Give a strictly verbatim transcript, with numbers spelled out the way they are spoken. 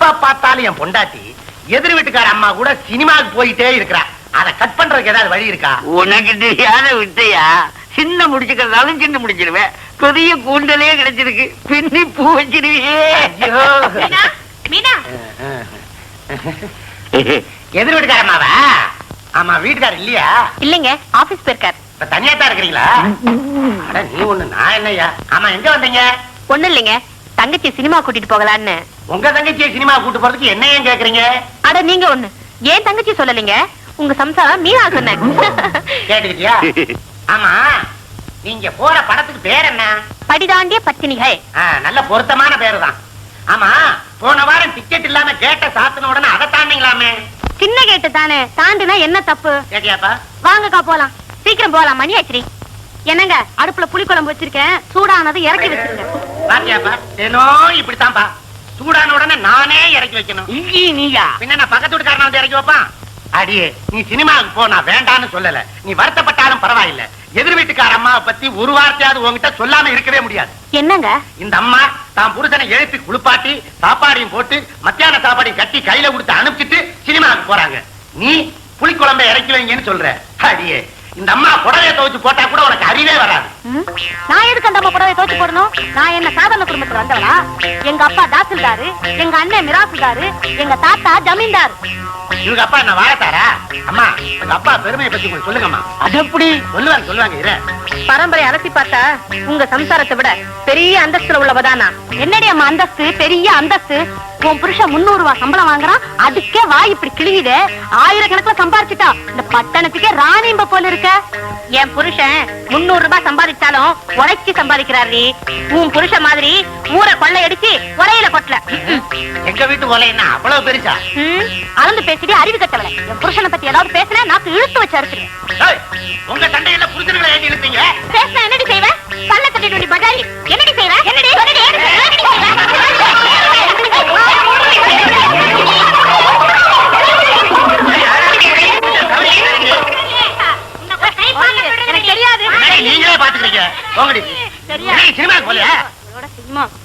எப்ப பார்த்தாலும் என் பொண்டாட்டி எதிர் வீட்டுக்கார அம்மா கூட சினிமாவுக்கு போயிட்டே இருக்கிறா. அதை கட் பண்றதுக்கு ஏதாவது வழி இருக்கா? உனக்கு தெரியாத விட்டையா? சின்ன முடிச்சுக்கிறதாலும் சின்ன முடிச்சிருவேன். பெரிய கூண்டலே கிடைச்சிருக்கு, பின்னி பூ வச்சிருவே. எதிர் வீட்டுக்கார அம்மாவா? ஆமா, வீட்டுக்கார இல்லையா? இல்லைங்க, ஆபீஸ் போயிருக்காரு. இப்ப தனியா தான் இருக்கிறீங்களா? அட நீ ஒண்ணு, நான் என்னய்யா? ஆமா, எங்க வந்தீங்க? ஒண்ணு இல்லைங்க, தங்கச்சி சினிமா கூட்டிட்டு போகலான்னு. உங்க தங்கச்சியை சினிமா கூட்டு போறதுக்கு என்ன ஏன் கேக்குறீங்க? அட நீங்க ஒண்ணு, ஏன் தங்கச்சி சொல்லலீங்க, உங்க சம்சாரம் மீனா சொன்னேன். கேட்டுக்கிட்டியா? ஆமா, நீங்க போற படத்துக்கு பேர் என்ன? படிதாண்டிய பத்தினிகள். நல்ல பொருத்தமான பேரு தான். ஆமா, போன வாரம் டிக்கெட் இல்லாம கேட்ட சாத்தின உடனே அதை தாண்டிங்களாமே. சின்ன கேட்டு தானே, தாண்டினா என்ன தப்பு? கேட்டியாப்பா? வாங்கக்கா போலாம், சீக்கிரம் போலாம், மணி ஆச்சு. என்னங்க, அடுப்புல புளிக்குழம்பு வச்சிருக்கேன், சூடானது இறக்கி வச்சிருங்க. பாத்தியாப்பா, ஏனோ இப்படித்தான்பா, சூடான உடனே நானே இறக்கி வைக்கணும். நீயா பின்ன நான் பக்கத்து வீட்டுக்காரன வந்து இறக்கி வைப்பான்? அடியே, நீ சினிமாவுக்கு போ, நான் வேண்டான்னு சொல்லல. நீ வருத்தப்பட்டாலும் பரவாயில்ல. எதிர் வீட்டுக்கார அம்மாவை பத்தி ஒரு வார்த்தையாவது உங்ககிட்ட சொல்லாம இருக்கவே முடியாது. என்னங்க, இந்த அம்மா தான் புருஷனை எழுப்பி குளிப்பாட்டி சாப்பாடையும் போட்டு மத்தியான சாப்பாடையும் கட்டி கையில கொடுத்து அனுப்பிச்சிட்டு சினிமாவுக்கு போறாங்க. நீ புளிக்குழம்பை இறக்கி வைங்கன்னு சொல்ற. அடியே, இந்த அம்மா புடவையை துவைச்சு போட்டா கூட உனக்கு அறிவே வராது. நான் எதுக்கு அந்த அம்மா புடவையை துவைச்சு போடணும்? நான் என்ன சாதாரண குடும்பத்துல வந்தவளா? எங்க அப்பா தாசில்தாரு, எங்க அண்ணன் மிராசுதாரு, எங்க தாத்தா ஜமீன்தார். இவங்க அப்பா என்ன வாழத்தாரா? அம்மா, உங்க அப்பா பெருமையை பத்தி கொஞ்சம் சொல்லுங்கம்மா. அது எப்படி சொல்லுவாங்க சொல்லுவாங்க இரு. பரம்பரை அலசி பார்த்தா உங்க சம்சாரத்தை விட பெரிய அந்தஸ்துல உள்ளவதானா? என்னடி அம்மா அந்தஸ்து, பெரிய அந்தஸ்து. உன் புருஷன் முன்னூறு ரூபாய் சம்பளம் வாங்குறான், அதுக்கே வாய் இப்படி கிழியுது. ஆயிரக்கணக்கில் சம்பாதிச்சுட்டா இந்த பட்டணத்துக்கே ராணிம்ப போல இருக்க. என் புருஷன் முன்னூறு ரூபாய் சம்பாதிச்சாலும் உழைச்சி சம்பாதிக்கிறாரு. உன் புருஷன் மாதிரி ஊரை கொள்ளையடிச்சு உரையில கொட்டல. எங்க வீட்டு ஒலை என்ன அவ்வளவு பெருசா? அளந்து பேசிட்டு அறிவு கட்டவல. என் புருஷனை பத்தி ஏதாவது பேசுனா நாக்கு இழுத்து வச்சு அறுத்துறேன். உங்க சண்டையில புருஷர்களை ஏன் இழுத்தீங்க? பேசினா என்னடி செய்வேன்? கண்ணை தட்டிட்டு பஜாரி என்னடி செய்வேன்? என்னடி எனக்கு தெரியாது. நீங்களே பாத்துக்கிறீங்க. சினிமாக்கு போலையா?